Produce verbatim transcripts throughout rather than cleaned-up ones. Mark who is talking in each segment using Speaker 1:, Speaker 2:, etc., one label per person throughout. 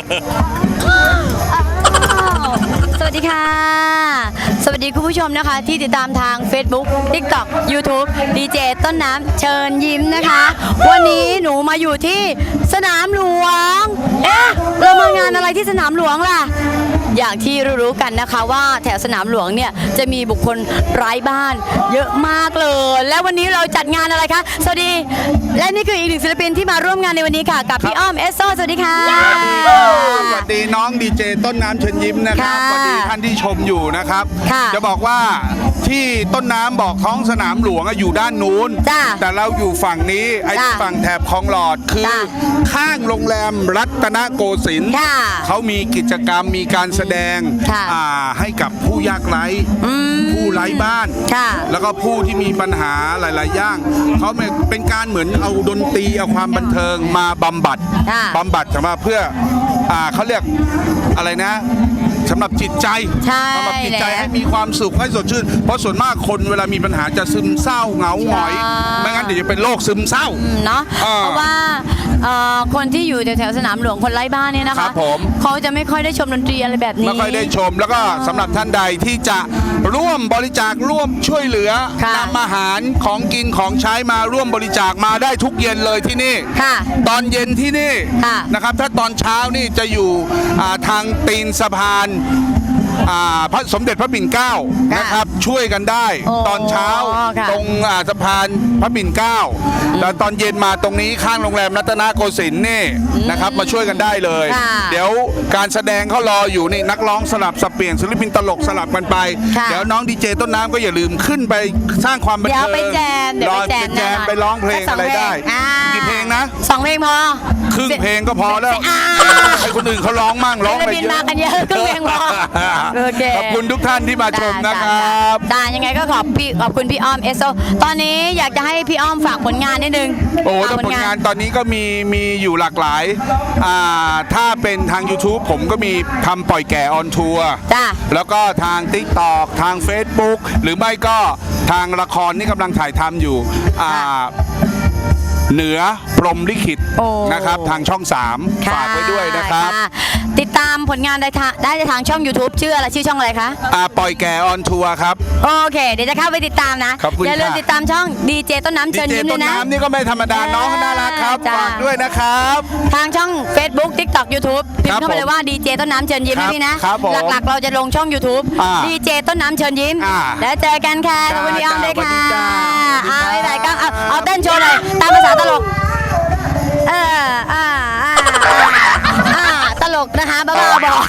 Speaker 1: สวัสดีค่ะสวัสดีคุณผู้ชมนะคะที่ติดตามทาง Facebook TikTok YouTube ดีเจต้นน้ำเชิญยิ้มนะคะวันนี้หนูมาอยู่ที่สนามหลวงเอ๊ะเรามางานอะไรที่สนามหลวงล่ะอย่างที่รู้ๆกันนะคะว่าแถวสนามหลวงเนี่ยจะมีบุคคลไร้บ้านเยอะมากเลยและวันนี้เราจัดงานอะไรคะสวัสดีและนี่คืออีกหนึ่งศิลปินที่มาร่วมงานในวันนี้ค่ะกับพี่อ้อมเอสโซสวัสดีค่ะ
Speaker 2: สวัสดีน้องดีเจต้นน้ำเชิญยิ้มนะครับสวัสดีท่านที่ชมอยู่นะครับจะบอกว่าที่ต้นน้ำบอกท้องสนามหลวงอยู่ด้านนู้นแต่เราอยู่ฝั่งนี้ไอ้ฝั่งแถบคลองหลอดคือข้างโรงแรมรัตนโกสินทร์เขามีกิจกรรมมีการแสดงให้กับผู้ยากไร้ผู้ไร้บ้านแล้วก็ผู้ที่มีปัญหาหลายๆอย่างเขาเป็นการเหมือนเอาดนตรีเอาความบันเทิงมาบำบัดบำบัดสำหรับเพื่อเขาเรียกอะไรนะสำหรับจิตใจสำหรับจิตใจให้มีความสุขให้สดชื่นเพราะส่วนมากคนเวลามีปัญหาจะซึมเศร้าเหงาหงอยไม่งั้นเดี๋ยวจะเป็นโรคซึมเศร้า
Speaker 1: เนาะเพราะว่าคนที่อยู่แถวๆสนามหลวงคนไร้บ้านเนี่ยนะคะเขาจะไม่ค่อยได้ชมดนตรีอะไรแบบนี้
Speaker 2: ไม่ค่อยได้ชมแล้วก็สำหรับท่านใดที่จะร่วมบริจาคร่วมช่วยเหลือนำอาหารของกินของใช้มาร่วมบริจาคมาได้ทุกเย็นเลยที่นี่ตอนเย็นที่นี่นะครับถ้าตอนเช้านี่จะอยู่ทางตีนสะพานพระสมเด็จพระปิ่นเกล้านะครับช่วยกันได้ตอนเช้าตรงสะพานพระปิ่นเกล้าแล้วตอนเย็นมาตรงนี้ข้างโรงแรมรัตนโกสินทร์นี่นะครับมาช่วยกันได้เลยเดี๋ยวการแสดงเขารออยู่นี่นักร้องสลับสับเปลี่ยนศิลปินตลกสลับกันไปเดี๋ยวน้องดีเจต้นน้ำก็อย่าลืมขึ้นไปสร้างความบันเทิง
Speaker 1: เดี๋ยวไปแจมเดี๋ยวไปแจม
Speaker 2: แจมไปร้องเพลงอะไรได้กี่เพลงนะ
Speaker 1: สองเพลงพอ
Speaker 2: ครึ่งเพลงก็พอแล้วให้คนอื่นเขาร้องมั่งร้องไปเยอะ
Speaker 1: มากันเยอะครึ่งเพลงพอ
Speaker 2: ขอบคุณทุกท่านที่มาชมนะครับ
Speaker 1: ได้ยังไงก็ขอบพี่ขอบคุณพี่อ้อมเอสโซตอนนี้อยากจะให้พี่อ้อมฝากผลงานนิดนึง
Speaker 2: โอ้ผลงานตอนนี้ก็มีมีอยู่หลากหลายถ้าเป็นทาง YouTube ผมก็มีทำปล่อยแก่ออนทัวร์แล้วก็ทาง TikTok ทาง Facebook หรือไม่ก็ทางละครนี่กำลังถ่ายทำอยู่เหนือพรหมลิขิตนะครับทางช่องสามฝากไว้ด้วยนะครับ
Speaker 1: ติดตามผลงานได้ได้ทางช่อง YouTube ชื่ออะไรชื่อช่องอะไรคะ
Speaker 2: อ่าปล่อยแก่ออนทัวร์ครับ
Speaker 1: โอเคเดี๋ยวจะเข้าไปติดตามนะอย่าลืมติดตามช่องดีเจต้นน้ำเชิญยิ้มด้วยนะ
Speaker 2: ดีเจต้นน้ำนี่ก็ไม่ธรรมดาน้องน่ารักครับฝากด้วยนะครับ
Speaker 1: ทางช่อง Facebook TikTok YouTube พิมพ์เข้าไปเลยว่าดีเจต้นน้ำเชิญยิ้มนะพี่นะหลักๆเราจะลงช่อง YouTube ดีเจต้นน้ำเชิญยิ้มแล้วเจอกันค่ะขอบคุณพี่อ้อมด้วยค่ะเอาไปไหนก็เอาเอาเต้นโชว์เลยตามภาษาตลกเอออ่าอ่าอ่าตลกนะคะบ้าๆบอก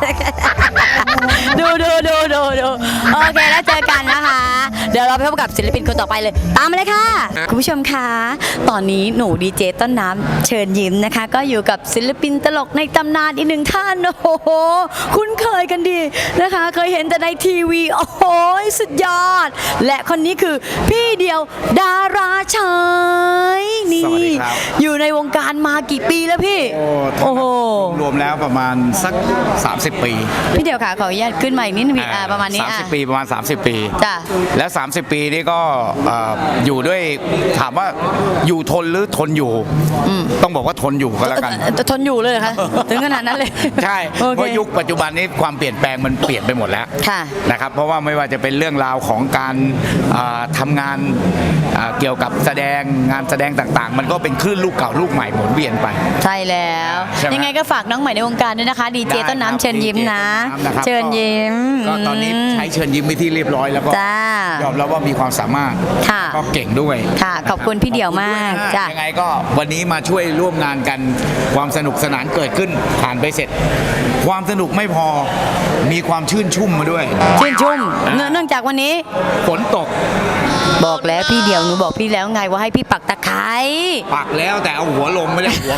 Speaker 1: ดูดูดูดูดูโอเคแล้วเจอกันนะคะเดี๋ยวเราไปพบกับศิลปินคนต่อไปเลยตามมาเลยค่ะคุณผู้ชมคะตอนนี้หนูดีเจต้นน้ำเชิญยิ้มนะคะก็อยู่กับศิลปินตลกในตำนานอีกหนึ่งท่านโอ้โหคุ้นเคยกันดีนะคะเคยเห็นแต่ในทีวีโอ้โหสุดยอดและคนนี้คือพี่เดียวดาราชายนี่อยู่ในวงการมากี่ปีแล้วพี่
Speaker 3: โอ้โหรวมแล้วประมาณสักสามสิบปี
Speaker 1: พี่เดียวค่ะขออนุญาตขึ้นมาอีกนิดนึงอ่าประมาณนี้
Speaker 3: สามสิบปีประมาณสามสิบปี
Speaker 1: จ้ะ
Speaker 3: แล้วสามสิบปีนี่ก็อยู่ด้วยถามว่าอยู่ทนหรือทนอยู่ต้องบอกว่าทนอยู่ก็แล้วกัน
Speaker 1: ทนอยู่เลยค่ะถึงขนาดนั้นเลย
Speaker 3: ใช่เพราะยุคปัจจุบันนี้ความเปลี่ยนแปลงมันเปลี่ยนไปหมดแล้วนะครับเพราะว่าไม่ว่าจะเป็นเรื่องราวของการทำงานเกี่ยวกับแสดงงานแสดงต่างๆมันก็เป็นคลื่นลูกเก่าลูกใหม่หมุนเวียนไป
Speaker 1: ใช่แล้วยังไงก็ฝากน้องใหม่ในวงการด้วยนะคะดีเจต้นน้ำเชิญยิ้มนะเชิญยิ้ม
Speaker 3: ก็ตอนนี้ใช้เชิญยิ้มไปที่เรียบร้อยแล้วก็ยอมรับว่ามีความสามารถก็เก่งด้วย
Speaker 1: ค่ะขอบคุณพี่เดี่ยวมาก
Speaker 3: จ้ะยังไงก็วันนี้มาช่วยร่วมงานกันความสนุกสนานเกิดขึ้นผ่านไปเสร็จความสนุกไม่พอมีความชื่นชุ่มมาด้วย
Speaker 1: ชื่นชุ่มเนื่องจากวันนี้
Speaker 3: ฝนตก
Speaker 1: บอกแล้วพี่เดี่ยวหนูบอกพี่แล้วไงว่าให้พี่ปักตะไคร้
Speaker 3: ปักแล้วแต่เอาหัวลงไม่ได้หัว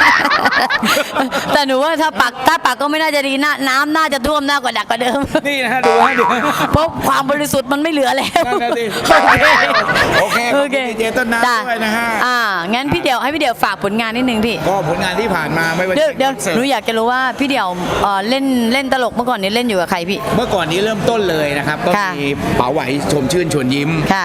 Speaker 1: แต่หนูว่าถ้าปักถ้าปักก็ไม่น่าจะดีนะน้ำน่าจะท่วมหน้ากว่าดักกว่าเดิม
Speaker 3: นี่นะดูให้ดู
Speaker 1: เพราะความบริสุทธิ์มันไม่เหลือแล้ว
Speaker 3: โอเคโอเคดีเจต้นน้ำด้วยนะฮะ
Speaker 1: อ่างั้นพี่เดี่ยวให้พี่เดี่ยวฝากผลงานนิดนึงพี่
Speaker 3: ก็ผลงานที่ผ่านมาไม่ว่า
Speaker 1: เดี๋ยวเดี๋ยวหนูอยากจะรู้ว่าพี่เดี่ยวเล่นเล่นตลกเมื่อก่อนนี้เล่นอยู่กับใครพี่
Speaker 3: เมื่อก่อนนี้เริ่มต้นเลยนะครับก็มีป๋าไหวชมชื่นชวนยิ้ม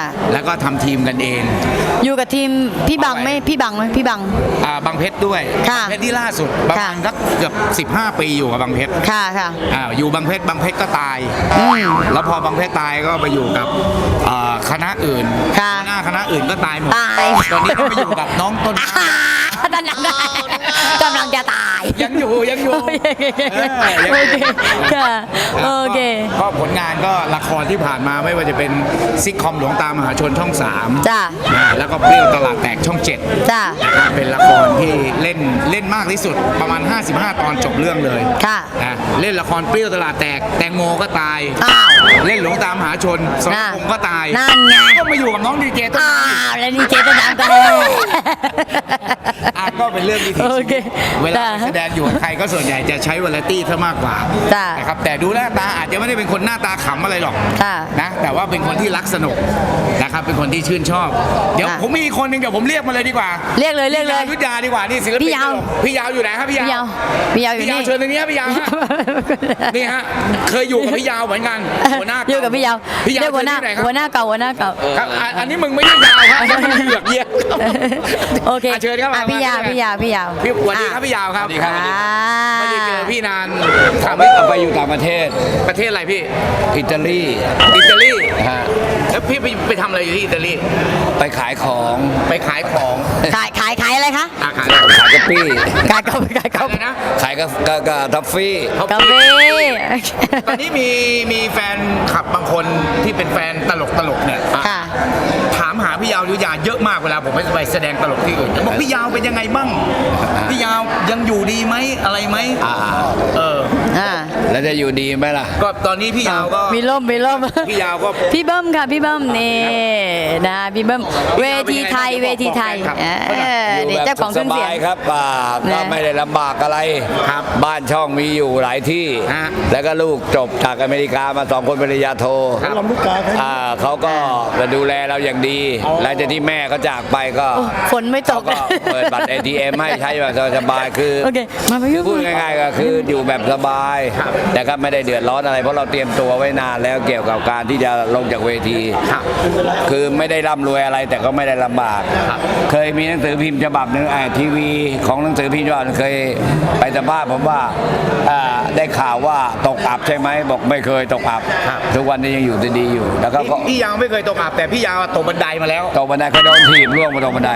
Speaker 3: แล้วก็ทำทีมกันเอง
Speaker 1: อยู่กับทีมพี่บังไหมพี่บังไหมพี่บัง
Speaker 3: อ่าบางเพชรด้วย
Speaker 1: ค่ะ
Speaker 3: บางเพชรที่ล่าสุดประมาณ
Speaker 1: ค่ะ
Speaker 3: สักเกือบสิบห้าปีอยู่กับบางเพชร
Speaker 1: ค่ะค่ะ
Speaker 3: อ่าอยู่บางเพชรบางเพชรก็ตาย
Speaker 1: อืม
Speaker 3: แล้วพอบางเพชรตายก็ไปอยู่กับอ่าคณะอื่น
Speaker 1: ค่ะ
Speaker 3: หน้าคณะอื่นก็ตายหมด
Speaker 1: ตาย
Speaker 3: ตอนนี้ก็ไปอยู่กับน้องต้นน้ำ
Speaker 1: กำลังกำลังจะตาย
Speaker 3: ยังอยู่ยังอยู่
Speaker 1: โอเค
Speaker 3: เออยัง
Speaker 1: โอ
Speaker 3: อยู่
Speaker 1: เคค่ะโอเค
Speaker 3: ก็ก็ผลงานก็ละครที่ผ่านมาไม่ว่าจะเป็นซิทคอมหลวงตามหาชนช่องสาม
Speaker 1: จ้ะ
Speaker 3: อ่าแล้วก็เปรี้ยวตลาดแตกช่องเจ็ด
Speaker 1: จ้ะ
Speaker 3: นะครับเป็นละครที่เล่นเล่นมากที่สุดประมาณ ห้าสิบห้า ตอนจบเรื่องเลย
Speaker 1: ค่ะ
Speaker 3: นะเล่นละครเปรี้ยวตลาดแตกแตงโมก็ตาย
Speaker 1: อ้าว
Speaker 3: เล่นหลวงตามหาชนสรพงษ์ก็ตาย
Speaker 1: นั่นไง
Speaker 3: ก็มาอยู่กับน้องดีเจต้น
Speaker 1: อ้า
Speaker 3: น้ำ
Speaker 1: วแล้วนี่เจ๊ต้นน้ำก็ได้
Speaker 3: อ่ะก็เป็นเรื่องที่
Speaker 1: โอเค
Speaker 3: เวลา
Speaker 1: จ้ะ
Speaker 3: แสดงอยู่กับใครก็ส่วนใหญ่จะใช้วาไรตี้ซะมากกว่า
Speaker 1: จ้ะ
Speaker 3: นะครับแต่ดูหน้าตาอาจจะไม่ได้เป็นคนหน้าตาขำอะไรหรอก
Speaker 1: ค่ะ
Speaker 3: นะแต่ว่าเป็นคนที่รักสนุกนะครับเป็นคนที่ชื่นชอบ เดี๋ยว
Speaker 1: ค่ะ
Speaker 3: ผมมีอีกคนหนึ่งเดี๋ยวผมเรียกมาเลยดีกว่า
Speaker 1: เรียกเลยเรียกเลย
Speaker 3: พี่ยายุทธยาดีกว่านี่ศิลปิน
Speaker 1: พี่ยาว
Speaker 3: พี่ยาวอยู่ไหนครับพี่ยาว
Speaker 1: พี่ยาวพี่ยาวอยู่
Speaker 3: พี่ยาว
Speaker 1: นี่
Speaker 3: เชิญตรงนี้ครับพี่ยาวฮะ นี่ฮะเคยอยู่กับพี่ยาวเหมือนกันหัวหน้า
Speaker 1: อยู่กับพี่ยาว
Speaker 3: พี่ยาว
Speaker 1: เรียกหัวหน้า
Speaker 3: เชิญที่ไหนครับ
Speaker 1: หัวหน้าเก่าหัวหน้าเก่า
Speaker 3: ครับอ่ะอันนี้มึงไม่ได้ยาวครับอันนี้มึงเหลือกเยี่ยม
Speaker 1: โอเค
Speaker 3: อ่ะเชิญครับ
Speaker 1: อ่ะพี่ยาวพี่ยาวพี่ยาว
Speaker 3: พี่สวัสดีครับพี่ยาวครับ
Speaker 1: อ่า
Speaker 3: ไม่ได้เจอพี่นาน
Speaker 4: ถามไม่ไปอยู่ต่างประเทศ
Speaker 3: ประเทศอะไรพี่
Speaker 4: อิตาลี
Speaker 3: อิตาลี
Speaker 4: ฮะ
Speaker 3: แล้วพี่ไปไปทำอะไรอยู่ที่อิตาลี
Speaker 4: ไปขายของ
Speaker 3: ไปขายของ
Speaker 1: ขายขายขายอะไรคะ
Speaker 3: อาขาย
Speaker 4: ขายกาแฟ
Speaker 1: ขายกาแฟขายกา
Speaker 3: อะ
Speaker 1: แฟ
Speaker 3: ไรนะ
Speaker 4: ขายกาแฟกาทัฟฟี่
Speaker 1: กาแฟ
Speaker 3: ตอนนี้มีมีแฟนขับบางคนที่เป็นแฟนตลกตลกเนี่ย
Speaker 1: ค่ะ
Speaker 3: ถามหาพี่ยาวยุทธยาเยอะมากเวลาผมไปแสดงตลกที่อื่นบอกพี่ยาวเป็นยังไงบ้างพี่ยาวยังอยู่ดีไหมอะไรไหม
Speaker 4: อ่า
Speaker 3: เออ
Speaker 1: อ่า
Speaker 4: แล้วจะอยู่ดีไหมล่ะ
Speaker 3: ก็ตอนนี้พี่ยาวก็
Speaker 1: มีร่มมีร่ม
Speaker 3: พี่ยาวก็
Speaker 1: พี่เบิ้มค่ะพี่เบิ้มนี่นะพี่เบิ้มเวทีไทยเวทีไทยเออ
Speaker 4: อยู่
Speaker 1: นี่
Speaker 4: แบบ
Speaker 1: เจ้าของเค
Speaker 4: ส
Speaker 1: รื่องเสีย
Speaker 4: บาง ยครับอ่าก็
Speaker 1: นะ
Speaker 4: ไม่ได้ลำบากอะไร
Speaker 3: ครับ
Speaker 4: บ้านช่องมีอยู่หลายที่
Speaker 3: ฮะ
Speaker 4: แล้วก็ลูกจบจากอเมริกามาสองคนปริญญาโท
Speaker 3: ครับ
Speaker 4: อ่าเขาก็มาดูแลเราอย่างดี หลังจากที่แม่เขาจากไปก็
Speaker 1: โอ้ฝนไม่ต
Speaker 4: เขา
Speaker 1: ก
Speaker 4: ก็เปิดบัตร เอ ที เอ็ม ให้ใช้แบบสบายๆคือ
Speaker 1: โอเคมาพี่
Speaker 4: พูดง่ายๆก็คืออยู่แบบสบายแต่ก็ไม่ได้เดือดร้อนอะไรเพราะเราเตรียมตัวไว้นานแล้วเกี่ยวกับการที่จะลงจากเวที
Speaker 3: ครับ
Speaker 4: คือไม่ได้ร่ำรวยอะไรแต่ก็ไม่ได้ลำบาก
Speaker 3: ครับ
Speaker 4: เคยมีหนังสือพิมพ์ฉบับหนึ่งไอ้ทีวีของหนังสือพิมพ์ฉบับหนึ่งเคยไปสัมภาษณ์ผมว่าอ่าได้ข่าวว่าตกอับใช่ไหมบอกไม่เคยตกอับ
Speaker 3: ครับ
Speaker 4: ทุกวันนี้ยังอยู่ดีๆอยู่ แล้วก็
Speaker 3: พี่พี่ยาวไม่เคยตกอับแต่พี่ยาวตกบันไดมาแล้ว
Speaker 4: ตกบันไดเคยโดนถีบร่วงมาตกบันได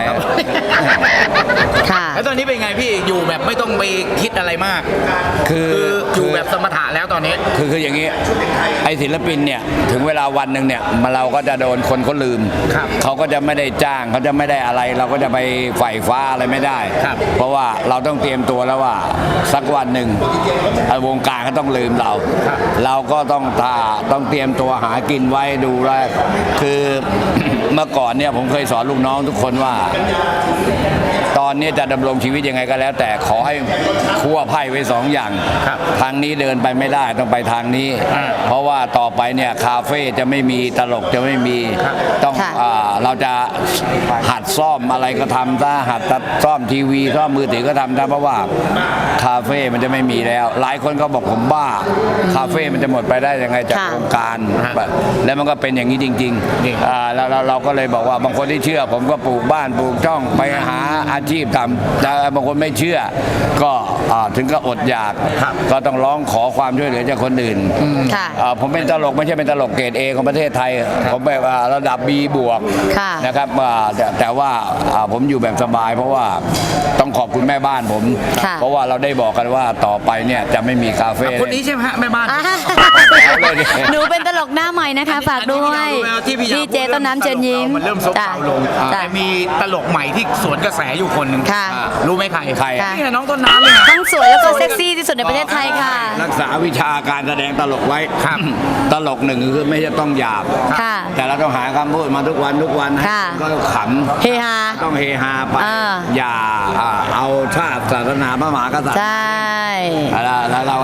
Speaker 1: ค่ะ
Speaker 3: แล้วตอนนี้เป็นไงพี่อยู่แบบไม่ต้องไปคิดอะไรมาก
Speaker 4: คือ
Speaker 3: คืออยู่แบบสมถะแล้วตอนนี้
Speaker 4: คือคืออย่างนี้ไอ้ศิลปินเนี่ยถึงเวลาวันหนึ่งเนี่ยมาเราก็จะโดนคนเขาลืม
Speaker 3: ครับ
Speaker 4: เขาก็จะไม่ได้จ้างเขาจะไม่ได้อะไร เราก็จะไปไฝ่ฟ้าอะไรไม่ได้
Speaker 3: ครับ
Speaker 4: เพราะว่าเราต้องเตรียมตัวแล้วว่าสักวันหนึ่งวงการเขาต้องลืมเรา เราก็ต้องตาต้องเตรียมตัวหากินไว้ดูแลคือ เมื่อก่อนเนี่ยผมเคยสอนลูกน้องทุกคนว่า ตอนนี้จะดำรงชีวิตยังไงก็แล้ว แต่ขอให้คั่วไพ่ไว้สองอย่าง
Speaker 3: ครับ
Speaker 4: ทางนี้เดินไปไม่ได้ต้องไปทางนี้
Speaker 3: อ่า
Speaker 4: เพราะว่าต่อไปเนี่ยคาเฟ่จะไม่มีตลกจะไม่มี
Speaker 3: ครับ
Speaker 4: ต้อง
Speaker 1: ค่ะ
Speaker 4: อ่าเราจะหัดซ่อมอะไรก็ทำถ้าหัดตัดซ่อมทีวีซ่อมมือถือก็ทำได้เพราะว่าคาเฟ่มันจะไม่มีแล้ว หลายคนก็บอกผมบ้าคาเฟ่มันจะหมดไปได้ยังไงจาก
Speaker 1: ค่ะ
Speaker 4: โครงการ
Speaker 3: ฮะ
Speaker 4: แล้วมันก็เป็นอย่างนี้จริง
Speaker 3: นี่
Speaker 4: ๆอ่าแล้วเราเราก็เลยบอกว่าบางคนที่เชื่อ ผมก็ปลูกบ้านปลูกช่องไปหาอาชีพทำแต่บางคนไม่เชื่อ ก็อ่าถึงก็อดอยาก
Speaker 3: ครับ
Speaker 4: ก็ต้องร้องขอความช่วยเหลือจากคนอื่น
Speaker 1: ค่ะ
Speaker 4: อ่าผมเป็นตลกไม่ใช่เป็นตลกเกรดเอของประเทศไทย ผมแบบว่าระดับ B บวก
Speaker 1: ค่ะ
Speaker 4: นะครับอ่าแต่แต่ว่าอ่าผมอยู่แบบสบาย เพราะว่าต้องขอบคุณแม่บ้านผม
Speaker 1: ค่ะ
Speaker 4: เพราะว่าเราได้บอกกันว่าต่อไปเนี่ยจะไม่มีคาเฟ่
Speaker 3: คนนี้ใช่ไหมฮะแม่บ้าน
Speaker 1: อ่า
Speaker 4: เอาเลยดิ
Speaker 1: หนูเป็นตลกหน้าใหม่นะคะ ฝากด้วย
Speaker 3: ที่พี่ยาว
Speaker 1: ดีเจต้นน้ำเชิญยิ้ม
Speaker 3: มันเริ่มซบเซาลง
Speaker 1: จ้ะ
Speaker 3: แต่มีตลกใหม่ที่สวนกระแสอยู่คนหนึ่ง
Speaker 1: ค่ะ
Speaker 3: อ่ารู้ไหมใคร
Speaker 4: ใคร
Speaker 1: ค่ะ
Speaker 3: นี่ไงน้องต้นน้ำเนี่ย
Speaker 1: ทั้งสวยแล้วก็เซ็กซี่ที่สุดในประเทศไทยค่ะ
Speaker 4: รักษาวิชาการแสดงตลกไว้
Speaker 3: ครับ
Speaker 4: ตลกหนึ่งคือไม่ใช่ต้องหยาบ
Speaker 1: ค่ะ
Speaker 4: แต่เราต้องหาคำพูดมาทุกวันทุกวันให้
Speaker 1: ค่ะ
Speaker 4: ก็ขำ
Speaker 1: เฮฮา
Speaker 4: ต้องเฮฮาไป
Speaker 1: อ่า
Speaker 4: อย่าอ่าเอาชาติศาสนาพระมหากษัตริย์
Speaker 1: ใช่
Speaker 4: แล้วแล้วเราเนี่ย
Speaker 1: ท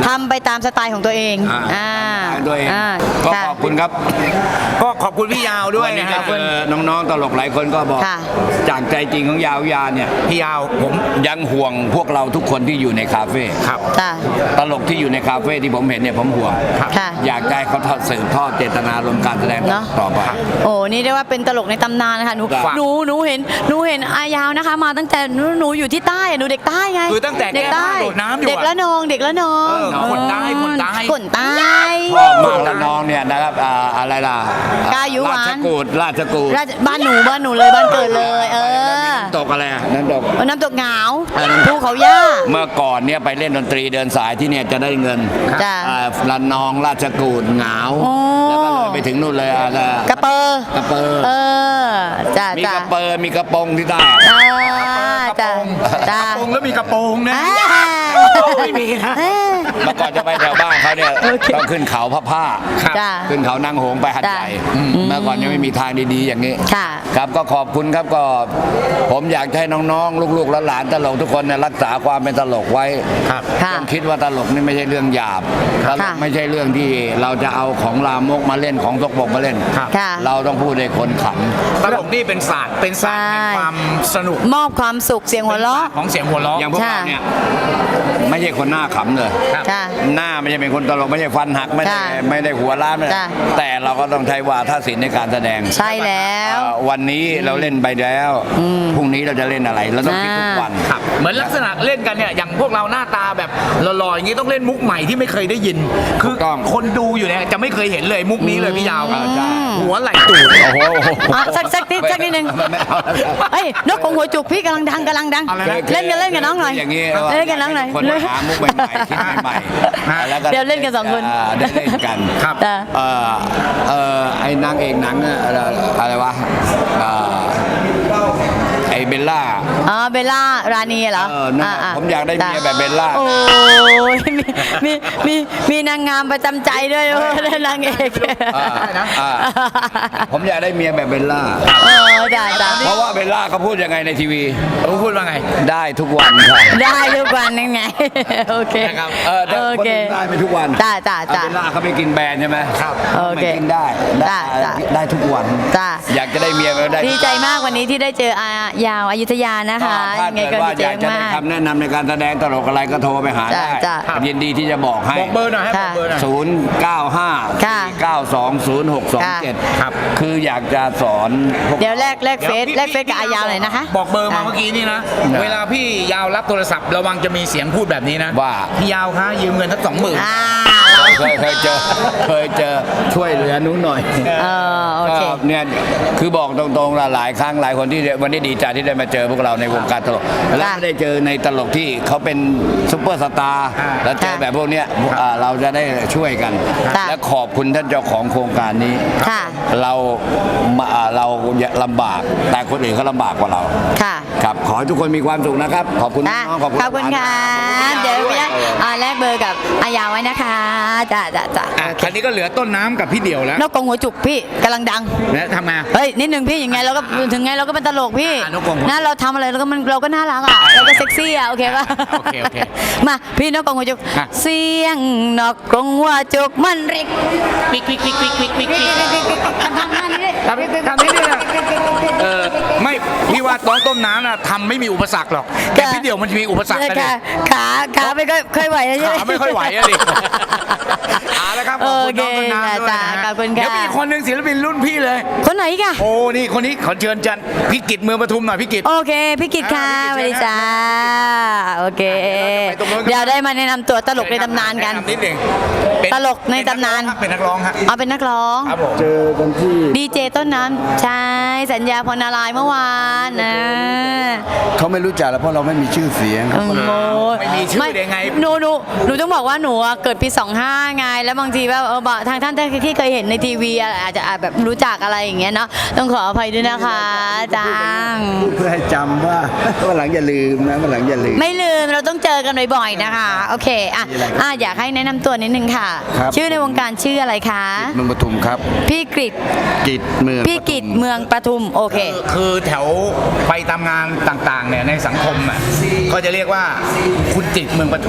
Speaker 1: ทำไปตามสไตล์ของตัวเอง
Speaker 4: อ่า
Speaker 1: อ่า
Speaker 4: ด้วย
Speaker 1: อ่า
Speaker 4: ก็
Speaker 1: ค่ะ
Speaker 4: ขอบคุณครับ
Speaker 3: ก็ขอบคุณพี่ยาวด้วย
Speaker 4: วันนี้
Speaker 3: นะค
Speaker 4: ก็
Speaker 3: รับ
Speaker 4: เจอน้องๆตลกหลายคนก็บอก
Speaker 1: ค่ะ
Speaker 4: จากใจจริงของยาวยาเนี่ย
Speaker 3: พี่ยาวผม
Speaker 4: ยังห่วงพวกเราทุกคนที่อยู่ในคาเฟ่
Speaker 3: ครับ
Speaker 1: จ้ะ
Speaker 4: ตลกที่อยู่ในคาเฟ่ที่ผมเห็นเนี่ยผมห่วง
Speaker 3: ครับ
Speaker 1: ค่ะ
Speaker 4: อยากได้เขาทอดสืบทอดเจตนารมณ์การแสดง
Speaker 1: เนอะ
Speaker 4: ต่อไป
Speaker 1: โอ้นี่เรียกว่าเป็นตลกในตำนานนะคะหนู
Speaker 4: ครับ
Speaker 1: หนูหนูเห็นหนูเห็นอายาวนะคะ มาตั้งแต่หนูหนูอยู่ที่ใต้อะหนูเด็กใต้ไง
Speaker 3: คือตั้งแต่
Speaker 1: เด็กใต้
Speaker 3: แก้ผ้าโดดน้ำอยู่อะ
Speaker 1: เด็กละนองเด็กละนอง
Speaker 3: เออคนใต้คนใต้
Speaker 1: คนใต้
Speaker 4: ชอบมากแล้วน้องเนี่ยนะครับอ่าอะไรล่ะ
Speaker 1: กายุหวาน
Speaker 4: ราชกูดราชกูด
Speaker 1: ราชบ้านหนูบ้านหนูเลยบ้านเกิดเลย เออ
Speaker 4: ตกอะไรอ่ะน้ำตก
Speaker 1: เอาน้ำตกเหงา
Speaker 4: อ่าน้ำตก
Speaker 1: ภูเขาย่า
Speaker 4: เมื่อก่อนเนี่ยไปเล่นดนตรีเดินสายที่เนี่ยจะได้เงิน
Speaker 1: จ้ะ
Speaker 4: อ่าละนองราชกูดเหงา
Speaker 1: โอ้
Speaker 4: แล้วก็เลยไปถึงนู่นเลยอ่ะ
Speaker 1: กระเปอร์
Speaker 4: กระเปอร์
Speaker 1: เออจ้า
Speaker 4: มี
Speaker 1: จ้าก
Speaker 4: ระเปอร์มีกระโปรงที่ใต้
Speaker 1: อ่าจ้าจ้าก
Speaker 3: ระโปรงแล้วมีกระโปรงนะ
Speaker 1: อ่า
Speaker 3: ไม่มีนะ
Speaker 1: เออ
Speaker 4: เมื่อก่อนจะไปแถวบ้านเขาเนี่ย
Speaker 1: โอเค
Speaker 4: ต้องขึ้นเขาพระผ้า
Speaker 3: ครับ
Speaker 1: จ้า
Speaker 4: ขึ้นเขานางหงส์ไปหัดใหญ่
Speaker 1: จ้ะอืม
Speaker 4: เมื่อก่อนยังไม่มีทางดีๆอย่างนี้
Speaker 1: ค่ะ
Speaker 4: ครับก็ขอบคุณครับก็ผมอยากให้น้องๆ ลูกๆและหลานตลกทุกคนเนี่ยรักษาความเป็นตลกไว้
Speaker 3: ครับ
Speaker 1: ค่ะ
Speaker 4: ต้องคิดว่าตลกนี่ไม่ใช่เรื่องหยาบตลก
Speaker 1: ค่ะ
Speaker 4: ไม่ใช่เรื่องที่เราจะเอาของลามกมาเล่นของตกบกมาเล่น
Speaker 3: ครับ
Speaker 1: ค่ะ
Speaker 4: เราต้องพูดให้คนข
Speaker 3: ตลกนี่เป็นศาสตร์เป็นศาสตร์แห่งความสนุก
Speaker 1: มอบความสุขเสียงหัวเราะ
Speaker 3: ของเสียงหัวเราะ
Speaker 4: ำอย่างพวก
Speaker 1: ค่ะ
Speaker 4: เราเนี่ยไม่ใช่คนหน้าขำเลย
Speaker 3: ครับ
Speaker 1: ค่ะ
Speaker 4: หน้าไม่ใช่เป็นคนตลกไม่ใช่ฟันหักไม่ได้
Speaker 1: จ้ะ
Speaker 4: ไม่ได้หัวล้านไม่ได้
Speaker 1: จ้ะ
Speaker 4: แต่เราก็ต้องใช้วาทศิลป์ในการแสดง
Speaker 1: ใช่แล้ว
Speaker 4: เอ่อวันนี้เราเล่นไปแล้วพรุ่งนี้เราจะเล่นอะไรเราต้องคิดทุกวัน
Speaker 3: ครับเหมือนลักษณะเล่นกันเนี่ยอย่างพวกเราหน้าตาแบบหล่อๆอย่างนี้ต้องเล่นมุกใหม่ที่ไม่เคยได้ยิน คือ
Speaker 4: ถูกต้อง
Speaker 3: คนดูอยู่เนี่ยจะไม่เคยเห็นเลยมุกนี้เลยพี่ยาว
Speaker 4: อ่าใช่
Speaker 3: หัวไหล่ตูด
Speaker 4: โอ้โห
Speaker 1: อ่ะสักสักนิดสักนิดนึง
Speaker 4: ไม่เอาแล้ว
Speaker 1: เอ้ยนกของหัวจุกพี่กำลังดังกำลังดัง
Speaker 3: อะไรนะ
Speaker 1: เล่นกันเล่นกับน้องหน่อย
Speaker 4: อย่างนี้
Speaker 1: เล่นกับน้องหน่อย
Speaker 4: คนมาหามุกใหม่ๆคิดใหม่ๆแล้วก็
Speaker 1: เดี๋ยวเล่นกันสองคน
Speaker 4: าได้เล่นกัน
Speaker 3: ครับ
Speaker 1: จ้ะ
Speaker 4: เอ่อเอ่อไอ้นางเอกหนังอะอะไรอะไรวะเอ่อไอ้เบลล่า
Speaker 1: อ๋อเบลล่ารานีเหรอ
Speaker 4: เออนั่นน่ะ
Speaker 1: อ่ะ
Speaker 4: ผมอยากได้เมียแบบเบลล่า
Speaker 1: โอ้ยมีมีมีมีนางงามประจำใจด้วยเออนางเอก
Speaker 4: อ่าอ่าผมอยากได้เมียแบบเบลล่า
Speaker 1: เออจ้าจ้า
Speaker 4: เพราะว่าเบลล่าเขาพูดยังไงในทีวี
Speaker 3: รู้พูดว่าไง
Speaker 4: ได้ทุกวันค่ะ
Speaker 1: ได้ทุกวันนั่นไง โอเค
Speaker 3: นะครับ
Speaker 4: เออแต่
Speaker 1: โอ
Speaker 4: คน
Speaker 1: เค
Speaker 4: อื่นได้ไม่ทุกวัน
Speaker 1: จ้าจ้าจ้า
Speaker 4: เบลล่าเขาไม่กินแบรนด์ใช่ไหมครับ
Speaker 1: โอเค
Speaker 4: ไม่กินได้ได้
Speaker 1: จ้ะ
Speaker 4: ได้ทุกวัน
Speaker 1: จ้า
Speaker 4: อยากจะได้เมียก็ได้
Speaker 1: ดีใจมากวันนี้ที่ได้เจออายาวอยุธยานะคะ
Speaker 4: ถ้า
Speaker 1: ยังไง
Speaker 4: เกิด
Speaker 1: ก็
Speaker 4: ว่า
Speaker 1: ดี
Speaker 4: อ
Speaker 1: ใจ
Speaker 4: ยากจะได้
Speaker 1: มาก
Speaker 4: คำแนะนำในการแสดงตลกอะไรก็โทรไปหา
Speaker 1: จ้ะ
Speaker 4: ได้
Speaker 1: จ้ะ
Speaker 4: ยินดีที่จะบอกให้
Speaker 3: บอกเบอร์หน่อยให้บ
Speaker 1: ค่ะ
Speaker 3: อกเบอร์หน่อย
Speaker 4: ศูนย์ เก้า ห้า
Speaker 1: ค่ะ
Speaker 4: เก้าสองศูนย์หกสองเจ็ด
Speaker 3: ครับ
Speaker 4: คืออยากจะสอนพวก
Speaker 1: เดี๋ยวแลกแลกเฟซ
Speaker 3: ดี๋ยวพี่
Speaker 1: แลกเฟซกับอายาวหน่อยนะคะ
Speaker 3: บอกเบอร์มาเมื่อกี้นี่นะ เวลาพี่ยาวรับโทรศัพท์ระวังจะมีเสียงพูดแบบนี้นะ
Speaker 4: ว่า
Speaker 3: พี่ยาวคะยืมเงินสักสองหมื่น
Speaker 1: อ่า
Speaker 4: เคยเคยเจอเคยเจอช่วยเหลือหนุ้หน่อย
Speaker 1: เออโอเค
Speaker 4: ก็เนี่ยคือบอกตรงๆละหลายครั้งหลายคนที่วันนี้ดีใจที่ได้มาเจอพวกเราในวงการตลกและไม่ได้เจอในตลกที่เขาเป็นซุปเปอร์สตาร์
Speaker 3: อ่า
Speaker 4: แล้วเจอแบบพวกเนี้ยอ่าเราจะได้ช่วยกัน
Speaker 1: ค่ะ
Speaker 4: และขอบคุณท่านเจ้าของโครงการนี้
Speaker 1: ค่ะ
Speaker 4: เรามาอ่าเราลำบากแต่คนอื่นเขาลำบากกว่าเรา
Speaker 1: ค่ะ
Speaker 4: ครับขอให้ทุกคนมีความสุขนะครับ ขอบคุณ
Speaker 1: อ่ะ
Speaker 4: น้องๆขอบคุณ
Speaker 1: ขอบคุณค่ะ เดี๋ยวพี่อ่าแลกเบอร์กับอายาวไว้นะคะจ้าจ้าจ้า
Speaker 3: อ่ะคราวนี้ก็เหลือต้นน้ำกับพี่เดี่ยวแล้ว
Speaker 1: นกกรงหัวจุกพี่กำลังดัง
Speaker 3: แล้วทำไง
Speaker 1: เฮ้ยนิดนึงพี่ยังไงเราก็ถึงไงเราก็เป็นตลกพี่
Speaker 3: อ่ะนกกรงหัว
Speaker 1: นะเราทำอะไรเราก็มันเราก็น่ารักอ่ะเราก็เซ็กซี่อ่ะโอเคป่ะ
Speaker 3: โอเคโอเค
Speaker 1: มาพี่นกกรงหัวจุก
Speaker 3: อ่ะ
Speaker 1: เสียงนกกรงหัวจุกมันริก
Speaker 3: ปิ๊กปิ๊กปิ๊กปิ๊กปิ๊กปิ๊ก
Speaker 1: ทำท่านี้เลย
Speaker 3: ทำทำนี่เนี่ยเออไม่พี่ว่าน้องต้มน้ำน่ะทำไม่มีอุปสรรคหรอกแต่พี่เดี่ยวมันจะมีอุปสรรคกัน
Speaker 1: ขา
Speaker 3: เนี่ย
Speaker 1: ขาขาไม่ค่อยค่อยไหวแล้วใช่ไหม
Speaker 3: ขาไม่ค่อยไหวอะดิเอาละครับขอบคุณน้องต้นน้ำด้วยนะ
Speaker 1: โอเค
Speaker 3: ฮะ
Speaker 1: ขอบคุณค่ะ
Speaker 3: เดี๋ยวมีอีกคนหนึ่งศิลปินรุ่นพี่เลย
Speaker 1: คนไหนอีกอะ
Speaker 3: โอ้นี่คนนี้ขอเชิญจันพี่กิตเมืองปทุมหน่อยพี่กิต
Speaker 1: โอเคพี่กิตค่ะส
Speaker 3: อ่า
Speaker 1: วัส
Speaker 3: พี่
Speaker 1: ดี
Speaker 3: กิต
Speaker 1: จ้าโอเค
Speaker 3: เดี๋ยวเราจะไปตรงนู้นกัน
Speaker 1: เดี๋ยวได้มาแนะนำตัวตลกในตำนานกัน
Speaker 3: แะำนิดหนึ่งเป็น
Speaker 1: ตลกในตำนาน
Speaker 3: เป็นนักร้องฮะ
Speaker 1: เอาเป็นนักร้อง
Speaker 3: ครับผม
Speaker 4: เจอกันที่
Speaker 1: ดีเจต้นน้ำใช่สัญญาพรนารายณ์เมื่อวานนะ
Speaker 4: เขาไม่รู้จักแล้วเพราะเราไม่มีชื่อเสียง
Speaker 1: โอ้โห
Speaker 3: ไม่มีชื่อได้ไง
Speaker 1: หนูหนูหนูต้องบอกว่าหนูอะเกิดปีสองห้าไงแล้วบางทีแบบเออบอกทางท่านที่เคยเห็นในทีวีอะอาจจะอาจแบบรู้จักอะไรอย่างเงี้ยเนาะต้องขออภัยด้วยนะคะจัง
Speaker 4: เพื่อให้จำว่าวันหลังอย่าลืมนะวันหลังอย่าลืม
Speaker 1: ไม่ลืมเราต้องเจอกันบ่อยๆนะคะ โอเคอ่ะอ่ะอยากให้แนะนำตัวนิดนึงค่ะ
Speaker 4: ครับ
Speaker 1: ชื่อในวงการชื่ออะไรคะ
Speaker 4: เมืองปทุมครับ
Speaker 1: พี่กฤษ
Speaker 4: กิจเมือง
Speaker 1: พี่กิจเมืองปทุมโอเค
Speaker 3: คือแถวไปตามงานต่างๆเนี่ยในสังคมอ่ะก็จะเรียกว่าคุณจิตเมืองปทุม
Speaker 1: อ่ะ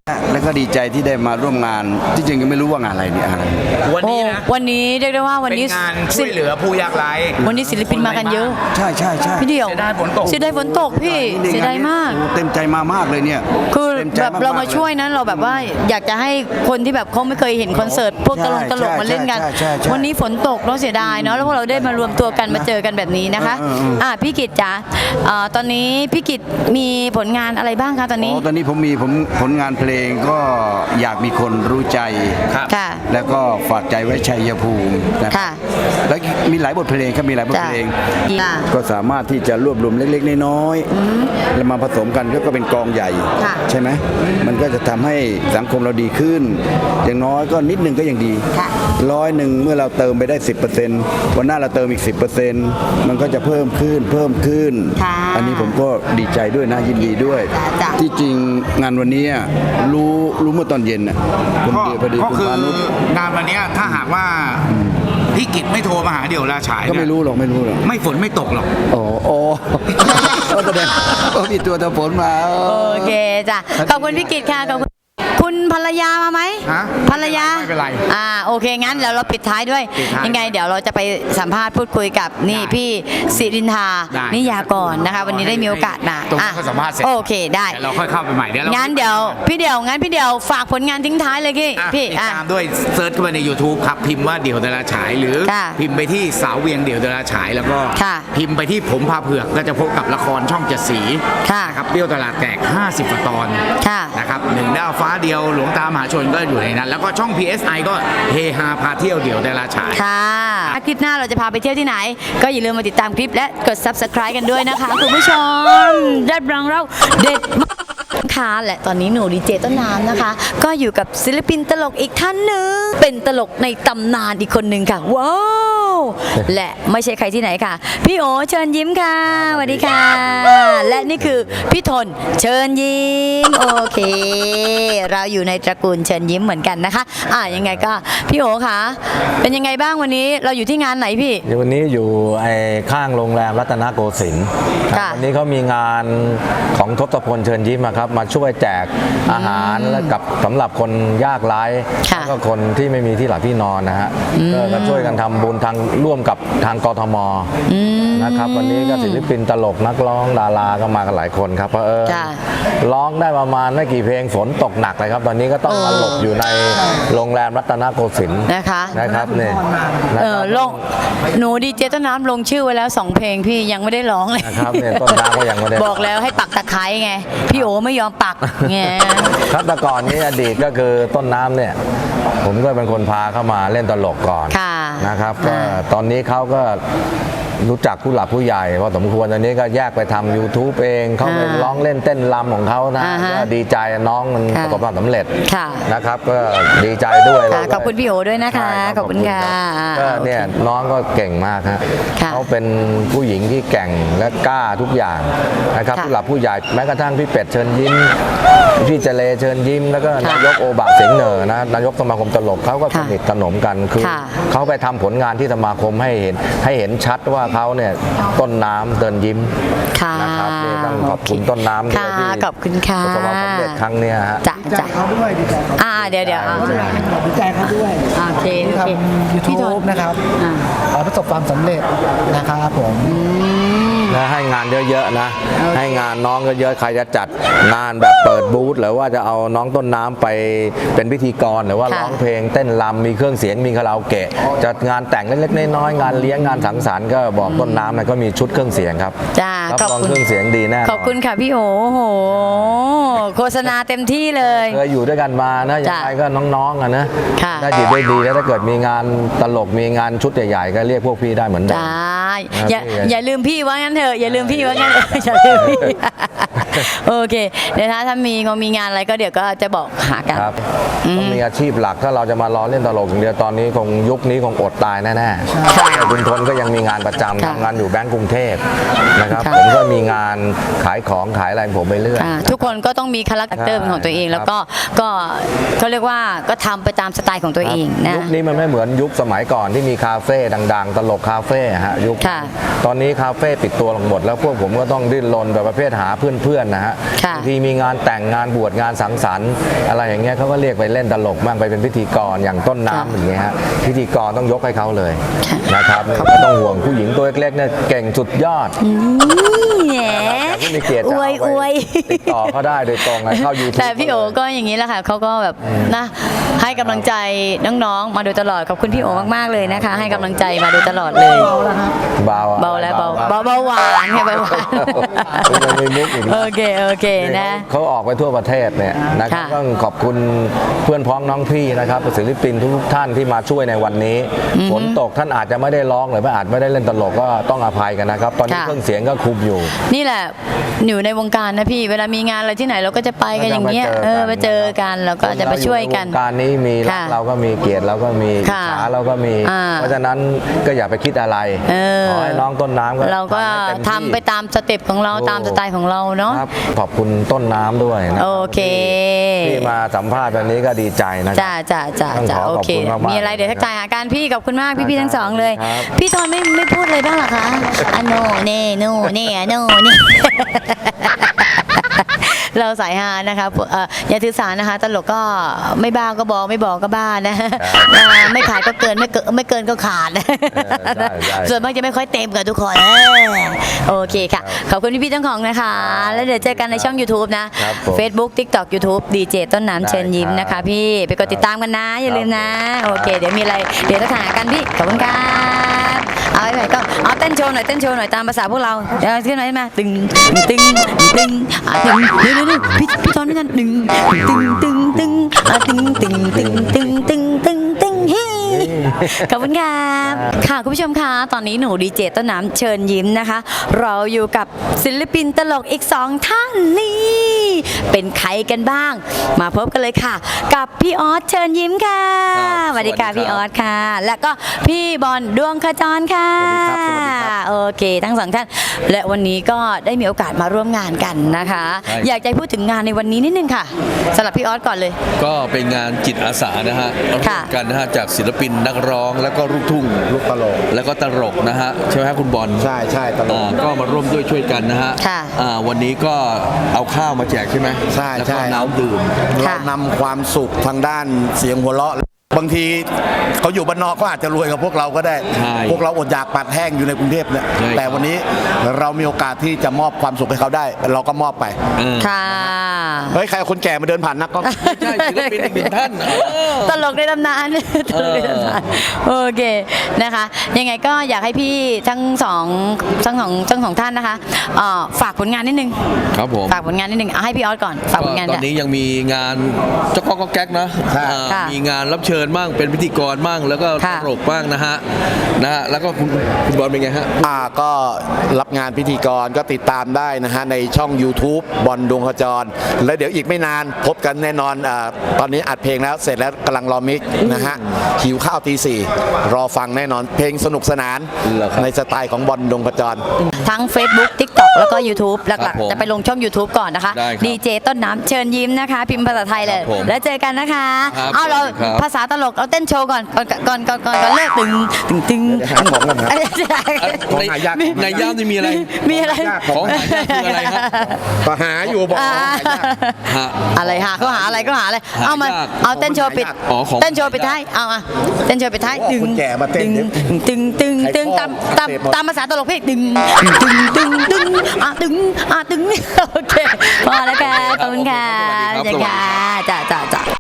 Speaker 4: แล้วก็ดีใจที่ได้มาร่วมงานที่จริงยังไม่รู้ว่างานอะไรเนี่ยอะไร
Speaker 3: วันนี้นะ
Speaker 1: โอ้วันนี้เรียกได้ว่าวัน
Speaker 3: เป็น
Speaker 1: นี้
Speaker 3: งานช่วยเหลือผู้ยากไร้
Speaker 1: วันนี้ศิลปินมากันเยอะ
Speaker 4: ใช่ใช่ใช่
Speaker 1: พี่เดียว
Speaker 3: เสียดายฝนตก
Speaker 1: เสียดายฝนตกพี่เสียดายมาก
Speaker 4: โอ้เต็มใจมามากเลยเนี่ย
Speaker 1: คือ
Speaker 4: ต็ใจ
Speaker 1: แบบเรามาช่วย
Speaker 4: กๆล
Speaker 1: นั้นเราแบบว่าอยากจะให้คนที่แบบเขาไม่เคยเห็นคอนเสิร์ตพวกตลกตลกมาเล่นกัน
Speaker 4: ใช่ใช่ใช่
Speaker 1: วันนี้ฝนตกเราเสียดายเนาะแล้วพวกเราได้มารวมตัวกันมาเจอกันแบบนี้นะคะ
Speaker 4: เออเออเอออ่
Speaker 1: อ่าพี่กิตจ๋าอ่าตอนนี้พี่กิตมีผลงานอะไรบ้างคะตอนนี้
Speaker 4: อ๋อตอนนี้ผมมีผมผลงานเพลงก็อยากมีคนรู้ใจ
Speaker 3: ครับ
Speaker 1: ค่ะ
Speaker 4: แล้วก็ฝากใจไว้ชัยภูมินะ
Speaker 1: ค่ะ
Speaker 4: แล้วมีหลายบทเพลงครับมีหลายบท
Speaker 1: จ้ะ
Speaker 4: เพลง
Speaker 1: จ้ะ
Speaker 4: ก็สามารถที่จะรวบรวมเล็กๆน้อยๆแล้วมาผสมกันก็เป็นกองใหญ่
Speaker 1: ค่ะ
Speaker 4: ใช่ไหมมันก็จะทำให้สังคมเราดีขึ้น อย่างน้อยก็นิดนึงก็ยังดี
Speaker 1: ค่ะ
Speaker 4: ร้อยหนึ่งเมื่อเราเติมไปได้ สิบเปอร์เซ็นต์ วันหน้าเราเติมอีก สิบเปอร์เซ็นต์ มันก็จะเพิ่มขึ้นเพิ่มขึ้น
Speaker 1: ค่ะ
Speaker 4: อันนี้ผมก็ดีใจด้วยนะยินดีด้วย
Speaker 1: จ้ะจ้ะ
Speaker 4: ที่จริงงานวันนี้อะรู้รู้เมื่อตอนเย็นน่ะคุณ
Speaker 3: ก็
Speaker 4: เดียวพอดี
Speaker 3: ก็
Speaker 4: คุณ
Speaker 3: คือ
Speaker 4: พานุช
Speaker 3: งานวันเนี้ยถ้าหากว่าพี่กิตไม่โทรมาหาเดี่ยวราฉาย
Speaker 4: ก็ไม่
Speaker 3: เนี่ย
Speaker 4: รู้หรอกไม่รู้หรอก
Speaker 3: ไม่ฝนไม่ตกหรอก
Speaker 4: โอ้โอ้ก็แสดงว่ามีตัวตะฝนมา
Speaker 1: โอเคจ้ะขอบคุณพี่กิตค่ะขอบคุณคุณภรรยามาไหม
Speaker 3: ฮะ
Speaker 1: ภรรยา
Speaker 3: ไม่เป็นไร
Speaker 1: อ่าโอเคงั้นเดี๋ยวเราปิดท้ายด้วย
Speaker 3: ปิดท้าย
Speaker 1: ยังไงเดี๋ยวเราจะไปสัมภาษณ์พูดคุยกับนี่
Speaker 3: ได้
Speaker 1: พี่สิรินทา
Speaker 3: ได้
Speaker 1: นิยากรนะคะ วันนี้ได้มีโอกาสมา
Speaker 3: ตรงนี้
Speaker 1: อ่ะ
Speaker 3: เขาสัมภาษณ์เสร็จ
Speaker 1: โอเคได้
Speaker 3: เดี๋ยวเราค่อยเข้าไปใหม่เดี๋ยวเรา
Speaker 1: งั้นเดี๋ยวพี่เดี่ยวงั้นพี่เดี่ยวฝากผลงานทิ้งท้ายเลยพี่
Speaker 3: อ่ะ
Speaker 1: พี่
Speaker 3: ติด
Speaker 1: อ่ะ
Speaker 3: ตามด้วยเซิร์ชเข้าไปใน YouTube ครับ พิมพ์ว่าเดี่ยวดาราฉาย หรือ
Speaker 1: ค่ะ
Speaker 3: พิมพ์ไปที่สาวเวียงเดี่ยวดาราฉาย แล้วก็
Speaker 1: ค่ะ
Speaker 3: พิมพ์ไปที่ผมพาเผือกก็จะพบกับละครช่องเจ็ดสี
Speaker 1: ค่ะ
Speaker 3: นะครับเปรี้ยวตลาดแตกห้าสิบกว่าตอน
Speaker 1: ค่ะ
Speaker 3: นะครับหนึ่งดาวฟ้าเดียวหลวงตามหาชนก็อยู่ในนั้น แล้วก็ช่อง พี เอส ไอ ก็เฮฮาพาเที่ยวเดี่ยวดาราฉาย
Speaker 1: ค่ะคลิปหน้าเราจะพาไปเที่ยวที่ไหน ก็อย่าลืมมาติดตามคลิปและกด ซับสไครบ์ กันด้วยนะคะคุณผู้ชมรับรองเราเด็ดมากค่ะและตอนนี้หนูดีเจต้นน้ำนะคะ ก็อยู่กับศิลปินตลกอีกท่านหนึ่งเป็นตลกในตำนานอีกคนหนึ่งค่ะว้าวและไม่ใช่ใครที่ไหนค่ะ พี่โอเชิญยิ้มค่ะสวัสดีค่ะ และนี่คือพี่ทนเชิญยิ้มโอเค เราอยู่ในตระกูลเชิญยิ้มเหมือนกันนะคะอ่ะยังไงก็พี่โอคะเป็นยังไงบ้างวันนี้เราอยู่ที่งานไหนพี่
Speaker 5: เดี๋ยววันนี้อยู่ไอ้ข้างโรงแรมรัตนโกสินทร์ครับ
Speaker 1: ค่ะ
Speaker 5: วันนี้เขามีงานของทศพลเชิญยิ้มอะครับมาช่วยแจกอาหารและกับสำหรับคนยากไร้
Speaker 1: ค่ะ
Speaker 5: แล้วก็คนที่ไม่มีที่หลับที่นอนนะฮะก็ก็ช่วยกันทำบุญทางร่วมกับทางกทมนะครับวันนี้ก็ศิลปินตลกนักร้องดาราก็มากันหลายคนครับเพราะเออ
Speaker 1: จ้ะ
Speaker 5: ร้องได้ประมาณไม่กี่เพลงฝนตกหนักเลยครับตอนนี้ก็ต้องมาหลบอยู่ในโรงแรมรัตนโกสินทร์
Speaker 1: นะคะ
Speaker 5: นะครับเนี่ยนะ
Speaker 1: เอ
Speaker 5: ค
Speaker 1: อ
Speaker 5: รับ
Speaker 1: ลงหนูดีเจต้นน้ำลงชื่อไว้แล้วสองเพลงพี่ยังไม่ได้ร้องเลย
Speaker 5: นะครับเนี่ยต้นน้ำก็ยังไม่ได้
Speaker 1: บอกแล้วให้ปักตะไคร้ไง พี่โอไม่ยอมปักไง
Speaker 5: ครับแต่ก่อนนี้อดีตก็คือต้นน้ำเนี่ย ผมก็เป็นคนพาเข้ามาเล่นตลกก่อน
Speaker 1: ค่ะ
Speaker 5: นะครับก็
Speaker 1: อ่า
Speaker 5: ตอนนี้เขาก็รู้จักผู้หลักผู้ใหญ่พอสมควรตอนนี้ก็แยกไปทำ YouTube เองเขาไป
Speaker 1: อ่า
Speaker 5: ร้องเล่นเต้นรำของเขานะ
Speaker 1: อ่าฮะ
Speaker 5: ก็ดีใจน้องมัน
Speaker 1: ค่ะ
Speaker 5: ประสบความสำเร็จ
Speaker 1: ค่ะ
Speaker 5: นะครับ ก็ดีใจด้วย
Speaker 1: ค่ะ
Speaker 5: เราก็
Speaker 1: ขอบคุณพี่โอด้วยนะคะ
Speaker 5: ใช่
Speaker 1: ขอบคุณค่ะ
Speaker 5: รับก็เนี่ยน้องก็เก่งมากฮะ
Speaker 1: ค่ะ
Speaker 5: เขาเป็นผู้หญิงที่แกร่งและกล้าทุกอย่างนะครับ
Speaker 1: ค่ะ
Speaker 5: ผู้หลักผู้ใหญ่แม้กระทั่งพี่เป็ดเชิญยิ้มพี่เจเลเชิญยิ้ม แล้วก็
Speaker 1: ค่ะ
Speaker 5: นายกโอบะเสียงเหนอนะนายกสมาคมตลกเขาก็ส
Speaker 1: ค่ะ
Speaker 5: นิทสนมกันคือ
Speaker 1: ค่ะ
Speaker 5: เขาไปทำผลงานที่สมาคมให้เห็นให้เห็นชัดว่าเขาเนี่ยต้นน้ำเดินยิ้ม
Speaker 1: ค่ะ
Speaker 5: นะครับนี่ต้องขอบคุณต้นน้ำด้วย
Speaker 1: ค่ะ
Speaker 5: ที่
Speaker 1: ขอบคุณค่ะ
Speaker 5: ประสบความสำเร็จครั้งเนี้ยฮะ
Speaker 1: จ้ะจ้ะอ่าเดี๋ยวเดี๋ยวเอา
Speaker 6: ดีใจเขาด้วย
Speaker 1: โอเคโอ
Speaker 6: ที่
Speaker 1: เค
Speaker 6: ทำยู
Speaker 1: พี่ท
Speaker 6: ทูบ
Speaker 1: น
Speaker 6: นะครับ
Speaker 1: อ่า
Speaker 6: ขอให้ประสบความสำเร็จนะครับผม
Speaker 5: และให้งานเยอะๆนะ ให้งานน้องเยอะๆใครจะจัดงานแบบเปิดบูธหรือว่าจะเอาน้องต้นน้ำไปเป็นพิธีกรหรือว่า
Speaker 1: ค่ะ
Speaker 5: ร้องเพลงเต้นรำมีเครื่องเสียงมีคาราโอเกะจัดงานแต่งเล็กๆน้อยๆงานเลี้ยงงานสังสรรค์ก็บอกต้นน้ำนะก็มีชุดเครื่องเสียงครับ
Speaker 1: จ้า
Speaker 5: รับ
Speaker 1: ขอบ
Speaker 5: รอง
Speaker 1: คุณ
Speaker 5: เครื่องเสียงดีแน่นน
Speaker 1: ขอบคุณค่ะพี่โอโอ้โหโฆษณาเต็มที่เลย
Speaker 5: เคยอยู่ด้วยกันมานะยังไงก็น้องๆอ่ะนะ
Speaker 1: ค่ะ
Speaker 5: ถ้าจิตได้ดีแล้วถ้าเกิดมีงานตลกมีงานชุดใหญ่ๆก็เรียกพวกพี่ได้เหมือนเดิม
Speaker 1: ได้อย่า
Speaker 5: ครับพี่
Speaker 1: อย่าลืมพี่ว่างั้นเถอะอย่าลืมพี่ว่างั้น อย่าลืมพี่ โอเคเดี๋ยวถ้าถ้ามีงมีงานอะไรก็เดี๋ยวก็จะบอกหากัน
Speaker 5: ครับต้องมีอาชีพหลักถ้าเราจะมารอเล่นตลกอย่างเดียวตอนนี้คงยุคนี้คงอดตายแน่ๆแต่คุณทนก็ยังมีงานประจำ
Speaker 1: ค่ะ
Speaker 5: ทำงานอยู่แบงก์กรุงเทพนะครับ
Speaker 1: ค่ะ
Speaker 5: ผมก็มีงานขายของขายอะไรของผมไปเรื่อย
Speaker 1: อ่าทุกคนก็ต้องมีคาแรคเตอร์เป็นของตัวเอง
Speaker 5: ใช่
Speaker 1: แล้วก็ก็เขาเรียกว่าก็ทำไปตามสไตล์ของตัวเองนะ
Speaker 5: ยุคนี้มันไม่เหมือนยุคสมัยก่อนที่มีคาเฟ่ดังๆ ตลกคาเฟ่ฮะยุค
Speaker 1: ค่ะ
Speaker 5: ตอนนี้คาเฟ่ปิดตัวลงหมดแล้วพวกผมก็ต้องดิ้นรนแบบประเภทหาเพื่อนอนนะฮะ
Speaker 1: ค่ะ
Speaker 5: บางทีมีงานแต่งงานบวชงานสังสรรค์อะไรอย่างเงี้ยเขาก็เรียกไปเล่นตลกบ้างไปเป็นพิธีกรอย่างต้นน้ำอย่างเงี้ยฮะพิธีกรต้องยกให้เขาเลยนะครับไม่ต้องห่วงผู้หญิงตัวเล็กๆเนี่ยเก่งสุดยอด
Speaker 1: แหม
Speaker 5: แต่ผู้มีเกียรติ
Speaker 1: อ
Speaker 5: จะ
Speaker 1: วย
Speaker 5: เอา
Speaker 1: อ
Speaker 5: ไป
Speaker 1: วย
Speaker 5: ติดต่อเขาได้โดยตรงนะเข้า ยูทูบ
Speaker 1: แต่พี่โอก็อย่างนี้แหละค่ะเขาก็แบบนะให้กำลังใจน้องๆมาโดยตลอดขอบคุณพี่โอมากๆเลยนะคะ ให้กำลังใจมาโดยตลอดเลย
Speaker 5: เบาอะ
Speaker 1: เบาแล้วเบาเบาเบาหวานค่ะเบาหวาน
Speaker 5: ยังมีมุกอีกนะ
Speaker 1: โอเคโอเคนะ
Speaker 5: เขาออกไปทั่วประเทศเนี่ยนะครับ
Speaker 1: ค่ะ
Speaker 5: ต้องขอบคุณเพื่อนพ้องน้องพี่นะครับศิลปินทุกๆท่านที่มาช่วยในวันนี้ฝนตกท่านอาจจะไม่ได้ร้องหรือว่าอาจไม่ได้เล่นตลกก็ต้องอภัยกันนะครับ ตอนนี้
Speaker 1: ค่ะ
Speaker 5: เครื่องเสียงก็คุมอยู่
Speaker 1: นี่แหละอยู่ในวงการนะพี่เวลามีงานอะไรที่ไหนเราก็จะไปกันอย่างเงี้ยเออไปเจอกันแล้วก็จะไปช่วยกัน
Speaker 5: วงการนี้มีรัก
Speaker 1: ค่ะ
Speaker 5: เราก็มีเกียรติเราก็มี
Speaker 1: ค่ะ
Speaker 5: ฉาเราก็มี
Speaker 1: อ่า
Speaker 5: เพราะฉะนั้นก็อย่าไปคิดอะไร
Speaker 1: เออ
Speaker 5: ขอให้น้องต้นน้ำก็
Speaker 1: เราก็
Speaker 5: ให้เต็ม
Speaker 1: ทำ
Speaker 5: ที่
Speaker 1: ไปตามสเต็ปของเราตามสไตล์ของเราเนาะ
Speaker 5: ครับขอบคุณต้นน้ำด้วยนะ
Speaker 1: โอเค
Speaker 5: ที่มาสัมภาษณ์วันนี้ก็ดีใจนะค
Speaker 1: จ้า
Speaker 5: รับ
Speaker 1: จ้าจ้า
Speaker 5: ต้อง
Speaker 1: จ้า
Speaker 5: ขอ
Speaker 1: โอ
Speaker 5: ขอบ
Speaker 1: เค
Speaker 5: คุณมากๆ
Speaker 1: มีอะไรเดี๋ยวทักทายหากันพี่ขอบคุณมากพี่พี่ๆทั้งสองเลย
Speaker 5: ครับ
Speaker 1: พี่ทอนไม่ไม่พูดเลยบ้างเหรอคะอะโนเน่โนเน่โนเน่ เราสายฮานะคะเอ่ออย่าถือสานะคะ ตลกก็ไม่บ้าก็บอกไม่บอกก็บ้านะอ่าไม่ขาดก็เกินไม่เกินไม่เกินก็ขาด
Speaker 5: เออได้ได้
Speaker 1: ส่วนมากจะไม่ค่อยเต็มกับทุกคนเออโอเคค่ะ ขอบคุณพี่ๆทั้งของนะคะ แล้วเดี๋ยวเจอกันในช่อง YouTube นะ
Speaker 5: ครับผม
Speaker 1: Facebook TikTok YouTube ดีเจต้นน้ำเชิญยิ้มนะคะพี่ไปกดติดตามกันนะ อย่าลืมนะ โอเค เดี๋ยวมีอะไรเดี๋ยวจะหากันพี่ขอบคุณครับเอาไปไหนก็เอาเต้นโชว์หน่อยเต้นโชว์หน่อยตามภาษาพวกเราเดี๋ยวขึ้นมาขึ้นมาตึงตึงตึงอ่ะตึงเดี๋ยวเดี๋ยวเดี๋ยวพี่พี่ตอนนี้กันตึงตึงตึงตึงอ่ะตึงตึงตึงตึงตึงตึงตึงเฮ้ขอบคุณครับค่ะคุณผู้ชมคะตอนนี้หนูดีเจต้นน้ำเชิญยิ้มนะคะ เราอยู่กับศิลปินตลกอีกสองท่านนี่เป็นใครกันบ้าง มาพบกันเลยค่ะ กับพี่ออสเชิญยิ้มค่ะ
Speaker 4: ครับ
Speaker 1: สวัสดีค่ะ
Speaker 4: สวัสดีครับ
Speaker 1: พี่ออสค่ะ แล้วก็พี่บอลดวงขจรค่ะ
Speaker 4: สวัสดีครับสวัสดีครับ
Speaker 1: โอเค ทั้งสองท่าน และวันนี้ก็ได้มีโอกาสมาร่วมงานกันนะคะ
Speaker 7: ใช่
Speaker 1: อยากจะให้พูดถึงงานในวันนี้นิดนึงค่ะสำหรับพี่ออสก่อนเลย
Speaker 7: ก็เป็นงานจิตอาสานะฮะร่ว
Speaker 1: ค่ะ
Speaker 7: มกันนะฮะจากศิลปินนักร้องแล้วก็ลูกทุ่ง
Speaker 6: ลูกตลก
Speaker 7: แล้วก็ตลกนะฮะใช่ไหมฮะคุณบอล
Speaker 6: ใช่ใช่ตลก
Speaker 7: อ่าก็มาร่วมด้วยช่วยกันนะฮะ
Speaker 1: ค่ะ
Speaker 7: อ่าวันนี้ก็เอาข้าวมาแจกใช่ไหม
Speaker 6: ใช่
Speaker 7: แล้ว
Speaker 6: ใช่
Speaker 7: ก็น้ำดื่ม
Speaker 6: เรานำความสุขทางด้านเสียงหัวเราะ บางทีเขาอยู่บ้านนอกเขาอาจจะรวยกับพวกเราก็ได้
Speaker 7: ใช่
Speaker 6: พวกเราอดอยากปากแห้งอยู่ในกรุงเทพเนี่ย
Speaker 7: ใช่ครับ
Speaker 6: แต่วันนี้เรามีโอกาสที่จะมอบความสุขให้เขาได้ เราก็มอบไป
Speaker 7: เออ
Speaker 1: ค่ะ
Speaker 6: เฮ้ยใครเอาคนแก่มาเดินผ่านนักก็
Speaker 7: ไม่ใช่ศิลปินอีกหนึ่งท่านเออ
Speaker 1: ตลกในตำนานตลกในตำนานโอเคนะคะ ยังไงก็อยากให้พี่ทั้งสองทั้งสองทั้งสองท่านนะคะเอ่อฝากผลงานนิดนึง
Speaker 7: ครับผม
Speaker 1: ฝากผลงานนิดนึงเอาให้พี่ออสก่อนฝากผลงาน
Speaker 7: ตอ
Speaker 1: จ้ะ
Speaker 7: นนี้ยังมีงานเจ้าก๊อกก๊อกแก๊กนะ
Speaker 6: ค่ะ
Speaker 7: อ่า
Speaker 1: ค่ะ
Speaker 7: มีงานรับเชิญบ้างเป็นพิธีกรบ้างแล้วก็
Speaker 1: ค่ะ
Speaker 7: ตลกบ้างนะฮะนะฮะแล้วก็คุณคุณบอลเป็นไงฮะ
Speaker 6: อ่าก็รับงานพิธีกรก็ติดตามได้นะฮะในช่อง YouTube บอลดวงขจร แล้วเดี๋ยวอีกไม่นานพบกันแน่นอนอาตอนนี้อัดเพลงแล้วเสร็จแล้วกำลังรอมิกซ์นะฮะหิวข้าวตีสี่รอฟังแน่นอนเพลงสนุกสนาน
Speaker 7: เหรอครับ
Speaker 6: ในสไตล์ของบอลดวงขจร
Speaker 1: ทั้ง Facebook TikTok แล้วก็ YouTube ห
Speaker 7: ครั
Speaker 1: ลัก
Speaker 7: บผม
Speaker 1: ๆ จะไปลงช่อง YouTube ก่อนนะคะ
Speaker 7: ได้ครับ
Speaker 1: ดีเจต้นน้ำเชิญยิ้มนะคะ พิมพ์ภาษาไทยเลย
Speaker 7: ครับผม
Speaker 1: แล้วเจอกันนะคะ
Speaker 7: ครับ
Speaker 1: เอาเรา
Speaker 7: ครับ
Speaker 1: ภาษาตลกเอาเต้นโชว์ก่อนก่อนก่อนก่อนก่อนก่อนเลิกตึงตึงตึง
Speaker 6: เดี๋ยวหาของก่อนนะ ของหายาก
Speaker 7: ในในย่ามนี่มีอะไร
Speaker 1: มีอะไร
Speaker 7: ของหายากคืออะไรฮะ
Speaker 6: ก็หาอยู่บอก
Speaker 1: อ่า
Speaker 6: ว่าหายาก
Speaker 7: ฮะ
Speaker 1: อะไรหาเขาหาอะไรก็หาอะไร
Speaker 7: หายาก
Speaker 1: เอามาเอาเต้นโชว์ปิด
Speaker 7: อ๋อของ
Speaker 1: เต้นโชว์ปิดท้ายเอาอ่ะเต้นโชว์ปิดท้าย
Speaker 6: โอ้
Speaker 1: ตึง
Speaker 6: คนแก่มาเต้น
Speaker 1: ตึงตึงตึงตึง
Speaker 6: ใคร
Speaker 1: ตาม
Speaker 6: พ่อ
Speaker 1: ตาม
Speaker 6: เสพหมด
Speaker 1: ตามภาษาตลกพี่ตึงตึงตึงตึงอ่ะตึงอ่ะตึงโอเคพอแล้วค่ะขอบคุณค่ะ
Speaker 7: สวัสดีครับ
Speaker 1: จ้าจ้าจ้า